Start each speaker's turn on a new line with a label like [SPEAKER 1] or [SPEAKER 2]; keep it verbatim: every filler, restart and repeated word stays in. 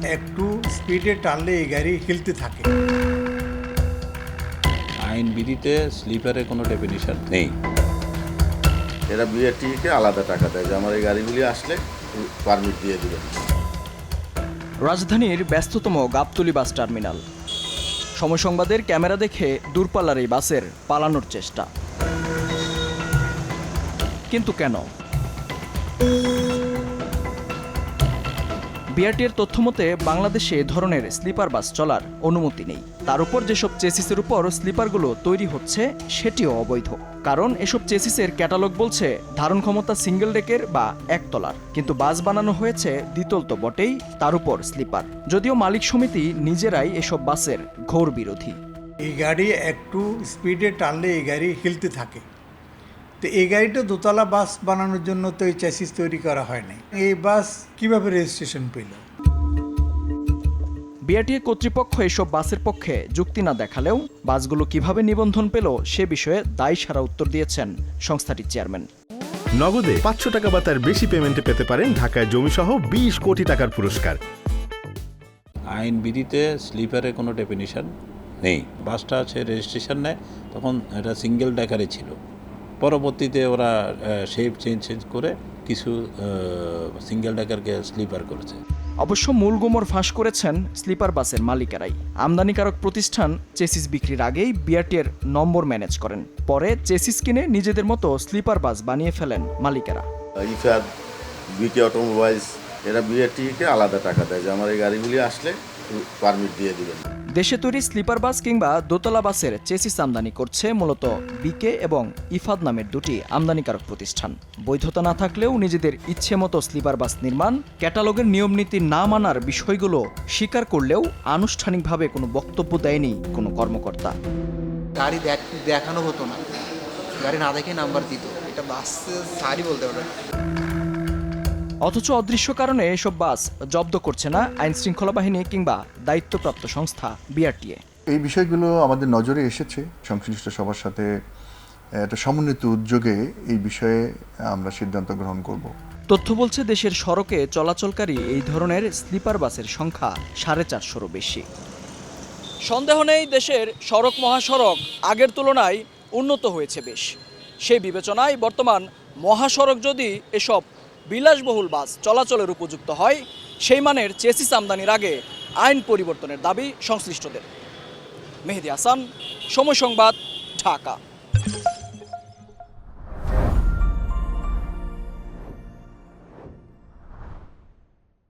[SPEAKER 1] একটু স্পিডে টানলে এই গাড়ি হিলতে থাকে।
[SPEAKER 2] আইন বিধিতে স্লিপারের কোনো ডেফিনিশন নেই।
[SPEAKER 3] এরা বিআরটিকে আলাদা টাকা দেয় যে আমার এই গাড়িগুলি আসলে পারমিট দিয়ে দেবেন।
[SPEAKER 4] রাজধানীর ব্যস্ততম গাবতলী বাস টার্মিনাল। সময় সংবাদের ক্যামেরা দেখে দূরপাল্লার এই বাসের পালানোর চেষ্টা, কিন্তু কেন? বিআরটির তথ্যমতে বাংলাদেশে এ ধরনের স্লিপার বাস চলার অনুমতি নেই। তার উপর যেসব চেসিসের উপর স্লিপারগুলো তৈরি হচ্ছে সেটিও অবৈধ, কারণ এসব চেসিসের ক্যাটালগ বলছে ধারণ ক্ষমতা সিঙ্গেল ডেকের বা একতলার, কিন্তু বাস বানানো হয়েছে দ্বিতল তো বটেই, তার উপর স্লিপার। যদিও মালিক সমিতি নিজেরাই এসব বাসের ঘোর বিরোধী।
[SPEAKER 1] এই গাড়ি একটু স্পিডে টানলে এই গাড়ি হিলতে থাকে। তো এই গাড়িটা দোতলা বাস বানানোর জন্য তো এই চ্যাসিস তৈরি করা হয়নি। এই বাস কিভাবে রেজিস্ট্রেশন পেল?
[SPEAKER 4] বিআরটিএ কর্তৃপক্ষ এসব বাসের পক্ষে যুক্তি না দেখালেও বাসগুলো কিভাবে নিবন্ধন পেল সে বিষয়ে দায়ী সারা উত্তর দিয়েছেন সংস্থাটির চেয়ারম্যান।
[SPEAKER 5] নগদে পাঁচশো টাকা বা তার বেশি পেমেন্টে পেতে পারেন ঢাকায় জমিসহ বিশ কোটি টাকার পুরস্কার।
[SPEAKER 2] আইন বিধিতে স্লিপারের কোনো ডেফিনিশন নেই। বাসটা আছে রেজিস্ট্রেশন নেয়, তখন এটা সিঙ্গেল ডেকারে ছিল। পরবর্তীতে ওরা শেপ চেঞ্জ চেঞ্জ করে কিছু সিঙ্গেল ডেকারকে স্লিপার করেছে।
[SPEAKER 4] অবশ্য মূল গুমর ফাঁস করেছেন স্লিপার বাসের মালিকেরাই। আমদানিকারক প্রতিষ্ঠান চেসিস বিক্রির আগেই বিআরটিএর নম্বর ম্যানেজ করেন, পরে চেসিস কিনে নিজেদের মতো স্লিপার বাস বানিয়ে ফেলেন মালিকেরা।
[SPEAKER 3] ইফাদ, বিটি অটোমোবাইলস এরা বিআরটিকে আলাদা টাকা দেয় যে আমার এই গাড়িগুলি আসলে পারমিট দিয়ে দেবেন।
[SPEAKER 4] দেশে তৈরি স্লিপার বাস কিংবা দোতলা বাসের চেসিস আমদানি করছে মূলত বিকে এবং ইফাদ নামের দুটি আমদানিকারক প্রতিষ্ঠান। বৈধতা না থাকলেও নিজেদের ইচ্ছে মতো স্লিপার বাস নির্মাণ, ক্যাটালগের নিয়মনীতি না মানার বিষয়গুলো স্বীকার করলেও আনুষ্ঠানিকভাবে কোনো বক্তব্য দেয়নি কোনো কর্মকর্তা।
[SPEAKER 6] গাড়ি দেখানো হতো না, গাড়ি না দেখে নাম্বার দিত, এটা বাস সারি বলতে পারে।
[SPEAKER 4] অথচ অদৃশ্য কারণে এসব বাস জব্দ করছে না আইন শৃঙ্খলা বাহিনী কিংবা দায়িত্বপ্রাপ্ত সংস্থা বিআরটিএ।
[SPEAKER 7] এই বিষয়গুলো আমাদের নজরে এসেছে। সংশ্লিষ্ট সবার সাথে একটা সমন্বিত উদ্যোগে এই বিষয়ে আমরা সিদ্ধান্ত গ্রহণ করব।
[SPEAKER 4] তথ্য বলছে দেশের সড়কে চলাচলকারী এই ধরনের স্লিপার বাসের সংখ্যা সাড়ে চারশোরও বেশি। সন্দেহ নেই দেশের সড়ক মহাসড়ক আগের তুলনায় উন্নত হয়েছে বেশ। সেই বিবেচনায় বর্তমান মহাসড়ক যদি এসব বিলাসবহুল বাস চলাচলের উপযুক্ত হয়, সেই মানের চেসিস আমদানির আগে আইন পরিবর্তনের দাবি সংশ্লিষ্টদের। মেহেদী হাসান, সময় সংবাদ, ঢাকা।